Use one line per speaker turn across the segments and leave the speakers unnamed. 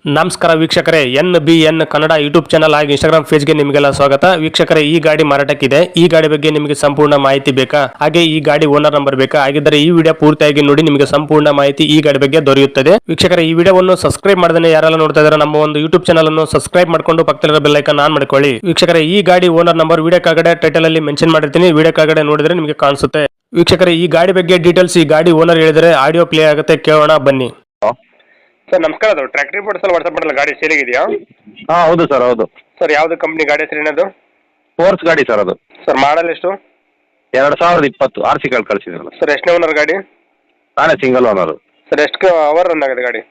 ನಮಸ್ಕಾರ ವೀಕ್ಷಕರೇ, NBN Kannada YouTube channel ಹಾಗೂ ಇನ್ಸ್ಟಾಗ್ರಾಮ್ ಪೇಜ್ಗೆ ನಿಮಗೆಲ್ಲ ಸ್ವಾಗತ. ವೀಕ್ಷಕರೇ, ಈ ಗಾಡಿ ಮಾರಾಟಕ್ಕಿದೆ. ಈ ಗಾಡಿ ಬಗ್ಗೆ ನಿಮಗೆ ಸಂಪೂರ್ಣ ಮಾಹಿತಿ ಬೇಕಾ? ಹಾಗೆ ಈ ಗಾಡಿ ಓನರ್ ನಂಬರ್ ಬೇಕಾ? ಹಾಗಿದ್ದರೆ ಈ ವಿಡಿಯೋ ಪೂರ್ತಿಯಾಗಿ ನೋಡಿ, ನಿಮಗೆ ಸಂಪೂರ್ಣ ಮಾಹಿತಿ ಈ ಗಾಡಿ ಬಗ್ಗೆ ದೊರೆಯುತ್ತದೆ. ವೀಕ್ಷಕರೇ, ಈ ವಿಡಿಯೋವನ್ನು ಸಬ್ಸ್ಕ್ರೈಬ್ ಮಾಡದೇ ಯಾರೆಲ್ಲ ನೋಡ್ತಾ ಇದ್ದಾರೆ ನಮ್ಮ ಒಂದು ಯೂಟ್ಯೂಬ್ ಚಾನಲ್ ಅನ್ನು ಸಬ್ಸ್ಕ್ರೈಬ್ ಮಾಡ್ಕೊಂಡು ಪಕ್ಕದಲ್ಲಿರೋ ಬೆಲ್ ಐಕಾನ್ ಆನ್ ಮಾಡ್ಕೊಳ್ಳಿ. ವೀಕ್ಷಕರೇ, ಈ ಗಾಡಿ ಓನರ್ ನಂಬರ್ ವಿಡಿಯೋ ಕೆಳಗಡೆ ಟೈಟಲ್ ಅಲ್ಲಿ ಮೆನ್ಷನ್ ಮಾಡಿರ್ತೀನಿ, ವಿಡಿಯೋ ಕೆಳಗಡೆ ನೋಡಿದ್ರೆ ನಿಮಗೆ ಕಾಣಿಸುತ್ತೆ. ವೀಕ್ಷಕರೇ, ಈ ಗಾಡಿ ಬಗ್ಗೆ ಡೀಟೇಲ್ಸ್ ಈ ಗಾಡಿ ಓನರ್ ಹೇಳಿದರೆ ಆಡಿಯೋ ಪ್ಲೇ ಆಗುತ್ತೆ, ಕೇಳೋಣ ಬನ್ನಿ. ಸರ್ ನಮಸ್ಕಾರ, ಅದು ಟ್ರ್ಯಾಕ್ಟರ್ ರಿಪೋರ್ಟ್ಸ್ ಅಲ್ಲಿ ವಾಟ್ಸಪ್ ಮಾಡಲ್ಲ, ಗಾಡಿ ಸೇಲಿಗಿದೆಯಾ?
ಹಾಂ ಹೌದು ಸರ್, ಹೌದು
ಸರ್. ಯಾವ್ದು ಕಂಪ್ನಿ ಗಾಡಿ ಹೆಸರು ಏನದು?
ಫೋರ್ಸ್ ಗಾಡಿ ಸರ್. ಅದು
ಸರ್ ಮಾಡಲ್ ಎಷ್ಟು?
2020 RC ಕಳಿಸಿದ್ರಲ್ಲ
ಸರ್. ಎಷ್ಟನೇ ಓನರ್ ಗಾಡಿ?
ನಾನೇ ಸಿಂಗಲ್ ಓನರು.
ಸರ್ ಎಷ್ಟು ಅವರ್ ರನ್ ಆಗಿದೆ ಗಾಡಿ?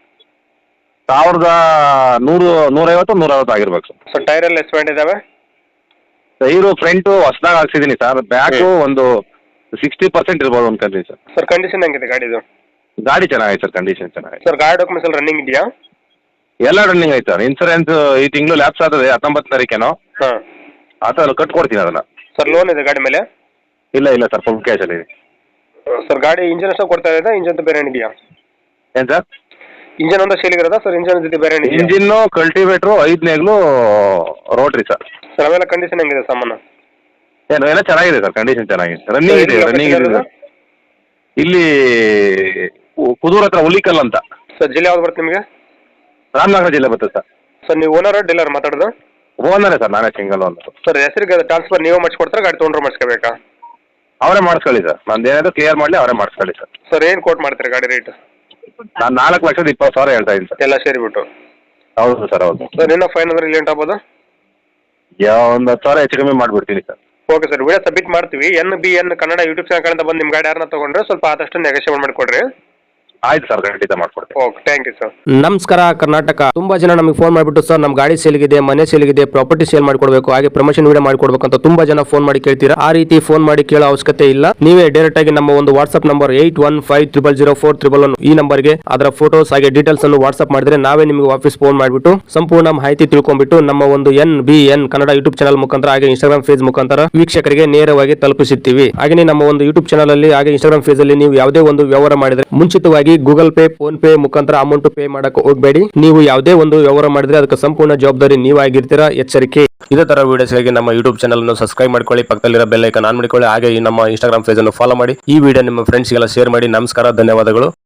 150 ಆಗಿರ್ಬೇಕು ಸರ್.
ಸರ್ ಟೈರ್ ಎಲ್ಲ ಎಷ್ಟು ಇದಾವೆ?
ಟೈರು ಫ್ರಂಟು ಹೊಸದಾಗಿ ಹಾಕ್ಸಿದ್ದೀನಿ ಸರ್. ಬ್ಯಾಕು ಒಂದು 60% ಇರ್ಬೋದು ಅನ್ಕೊಂತೀನಿ ಸರ್.
ಸರ್ ಕಂಡೀಷನ್ ಹೆಂಗಿದೆ ಗಾಡಿದು?
ಗಾಡಿ ಚೆನ್ನಾಗಿದೆ ಸರ್, ಕಂಡೀಷನ್ ಚೆನ್ನಾಗಿದೆ
ಸರ್. ಗಾಡಿ ಡಾಕ್ಯುಮೆಂಟ್ಸ್ ಎಲ್ಲ ರನ್ನಿಂಗ್ ಇದೆಯಾ?
ಎಲ್ಲ ರನ್ನಿಂಗ್ ಐತೆ ಸರ್. ಇನ್ಸೂರೆನ್ಸ್ ಈ ತಿಂಗಳು ಲ್ಯಾಪ್ಸ್ ಆಗ್ತದೆ, 19 ತಾರೀಕೇನೋ.
ಹಾಂ.
ಆ ಥರ ಕಟ್ಕೊಡ್ತೀನಿ ಅದನ್ನು.
ಸರ್ ಲೋನ್ ಇದೆ ಗಾಡಿ ಮೇಲೆ?
ಇಲ್ಲ ಸರ್, ಫುಲ್ ಕ್ಯಾಶಲ್ಲಿ ಇದೆ.
ಸರ್ ಗಾಡಿ ಇಂಜಿನ್ ಅಷ್ಟು ಕೊಡ್ತಾ ಇದೆ, ಇಂಜನ್ ಬೇರೆ ಏನಿದೆಯಾ?
ಏನು ಸರ್?
ಇಂಜನ್ ಒಂದು ಸೇಲಿಗಿರೋದಾ ಸರ್? ಇಂಜನ್ ಜೊತೆ ಬೇರೆ ಏನಿದೆಯಾ?
ಇಂಜಿನ್ನು, ಕಲ್ಟಿವೇಟ್ರು, 5 ನೇಗ್ಲು, ರೋಟ್ರಿ ಸರ್.
ಸರ್ ಅವೆಲ್ಲ ಕಂಡೀಷನ್ ಹೆಂಗಿದೆ ಸಾಮಾನು?
ಎಲ್ಲ ಚೆನ್ನಾಗಿದೆ ಸರ್, ಕಂಡೀಷನ್ ಚೆನ್ನಾಗಿದೆ. ರನ್ನಿಂಗ್ ಇದೆ. ಇಲ್ಲಿ ಕುದೂರ್ ಹತ್ರ ಹುಲಿಕಲ್ ಅಂತ.
ಸರ್ ಜಿಲ್ಲೆ ಯಾವ್ದು ಬರುತ್ತೆ ನಿಮಗೆ?
ರಾಮನಗರ ಜಿಲ್ಲೆ ಬರ್ತದೆ ಸರ್.
ಸರ್ ನೀವು ಓನರ್ ಡೀಲರ್ ಮಾತಾಡೋದು?
ಓನರೇ ಸರ್, ನಾನೇ ಸಿಂಗಲ್ ಓನರ್.
ಸರ್ ಹೆಸರಿಗೆ ಟ್ರಾನ್ಸ್ಫರ್ ನೀವು ಮಾಡಿಸ್ಕೊಡ್ತಾರೆ, ಗಾಡಿ ತೊಗೊಂಡ್ರೆ ಮಾಡಿಸ್ಕೋಬೇಕಾ?
ಅವರೇ ಮಾಡಿಸ್ಕೊಳ್ಳಿ ಸರ್. ನಂದು ಏನಾದರೂ ಕ್ಲಿಯರ್ ಮಾಡಲಿ, ಅವರೇ ಮಾಡಿಸ್ಕೊಳ್ಳಿ ಸರ್.
ಸರ್ ಏನು ಕೋಟ್ ಮಾಡ್ತೀರಿ ಗಾಡಿ ರೇಟ್?
ನಾನು 4,20,000 ಹೇಳ್ತಾ ಇದ್ದೀನಿ ಸರ್.
ಎಲ್ಲ ಸೇರಿಬಿಟ್ಟು?
ಹೌದು ಸರ್, ಹೌದು
ಸರ್. ಇನ್ನೂ ಫೈನ್ ಅಂದ್ರೆ ಇಲ್ಲಿ ಆಗ್ಬೋದು?
ಒಂದು 10,000 ಹೆಚ್ಚು ಕಮ್ಮಿ ಮಾಡಿಬಿಡ್ತೀನಿ sir.
Okay sir, video submit ಮಾಡ್ತೀವಿ. NBN ಕನ್ನಡ ಯೂಟ್ಯೂಬ್ ಚಾನಲ್ ಕಡೆಯಿಂದ ಬಂದು ನಿಮ್ಮ ಗಾಡಿ ಯಾರನ್ನ ತೊಗೊಂಡ್ರೆ ಸ್ವಲ್ಪ ಆದಷ್ಟು ನೆಗೋಷಿಯೇಟ್ ಮಾಡಿಕೊಡ್ರಿ.
ಆಯ್ತು ಸರ್, ಖಂಡಿತ ಮಾಡ್ಕೊಡ್ತೀನಿ.
Okay, thank you sir.
ನಮಸ್ಕಾರ ಕರ್ನಾಟಕ. ತುಂಬಾ ಜನ ನಮಗೆ ಫೋನ್ ಮಾಡಿಬಿಟ್ಟು ಸರ್ ನಮ್ಮ ಗಾಡಿ ಸೇಲ್ಗಿದೆ, ಮನೆ ಸೇಲ್ಗಿದೆ, ಪ್ರಾಪರ್ಟಿ ಸೇಲ್ ಮಾಡ್ಕೊಡ್ಬೇಕು, ಹಾಗೆ ಪ್ರಮೋಷನ್ ವಿಡಿಯೋ ಮಾಡ್ಕೊಡ್ಬೇಕು ಅಂತ ತುಂಬಾ ಜನ ಫೋನ್ ಮಾಡಿ ಕೇಳ್ತೀರಾ. ಆ ರೀತಿ ಫೋನ್ ಮಾಡಿ ಕೇಳೋ ಅವಶ್ಯಕತೆ ಇಲ್ಲ. ನೀವೇ ಡೈರೆಕ್ಟ್ ಆಗಿ ನಮ್ಮ ಒಂದು ವಾಟ್ಸ್ಆಪ್ ನಂಬರ್ 81500411 ಈ ನಂಬರ್ಗೆ ಅದರ ಫೋಟೋಸ್ ಹಾಗೆ ಡೀಟೇಲ್ಸ್ ಅನ್ನು ವಾಟ್ಸ್ಆಪ್ ಮಾಡಿದ್ರೆ ನಾವೇ ನಿಮಗೆ ವಾಪಸ್ ಫೋನ್ ಮಾಡಿಬಿಟ್ಟು ಸಂಪೂರ್ಣ ಮಾಹಿತಿ ತಿಳ್ಕೊಂಡ್ಬಿಟ್ಟು ನಮ್ಮ ಒಂದು NBN ಕನ್ನಡ ಯೂಟ್ಯೂಬ್ ಚಾನಲ್ ಮುಖಾಂತರ ಹಾಗೆ ಇನ್ಸ್ಟಾಗ್ರಾಮ್ ಪೇಜ್ ಮುಖಾಂತರ ವೀಕ್ಷಕರಿಗೆ ನೇರವಾಗಿ ತಲುಪಿಸುತ್ತೀವಿ. ಹಾಗೆ ನಮ್ಮ ಒಂದು ಯೂಟ್ಯೂಬ್ ಚಾನಲ್ ಅಲ್ಲಿ ಹಾಗೆ ಇನ್ಸ್ಟಾಗ್ರಾಮ್ ಪೇಜ್ ಅಲ್ಲಿ ನೀವು ಯಾವುದೇ ಒಂದು ವ್ಯವಹಾರ ಮಾಡಿದ್ರೆ ಮುಂಚಿತವಾಗಿ ಗೂಗಲ್ ಪೇ, ಫೋನ್ ಪೇ ಮುಖಾಂತರ ಅಮೌಂಟ್ ಪೇ ಮಾಡಕ್ಕೆ ಹೋಗಬೇಡಿ. ನೀವು ಯಾವುದೇ ಒಂದು ವ್ಯವಹಾರ ಮಾಡಿದ್ರೆ ಅದಕ್ಕೆ ಸಂಪೂರ್ಣ ಜವಾಬ್ದಾರಿ ನೀವಾಗಿರ್ತೀರಾ, ಎಚ್ಚರಿಕೆ.
ಇದೇ ತರ ವಿಡಿಯೋಸ್ಗಾಗಿ ನಮ್ಮ ಯೂಟ್ಯೂಬ್ ಚಾನಲ್ ಅನ್ನು ಸಬ್ಸ್ಕ್ರೈಬ್ ಮಾಡ್ಕೊಳ್ಳಿ, ಪಕ್ಕದಲ್ಲಿರೋ ಬೆಲ್ ಐಕಾನ್ ಆನ್ ಮಾಡಿಕೊಳ್ಳಿ, ಹಾಗೆ ನಮ್ಮ ಇನ್ಸ್ಟಾಗ್ರಾಮ್ ಪೇಜ್ ಅನ್ನು ಫಾಲೋ ಮಾಡಿ. ಈ ವಿಡಿಯೋ ನಿಮ್ಮ ಫ್ರೆಂಡ್ಸ್ಗೆಲ್ಲ ಶೇರ್ ಮಾಡಿ. ನಮಸ್ಕಾರ, ಧನ್ಯವಾದಗಳು.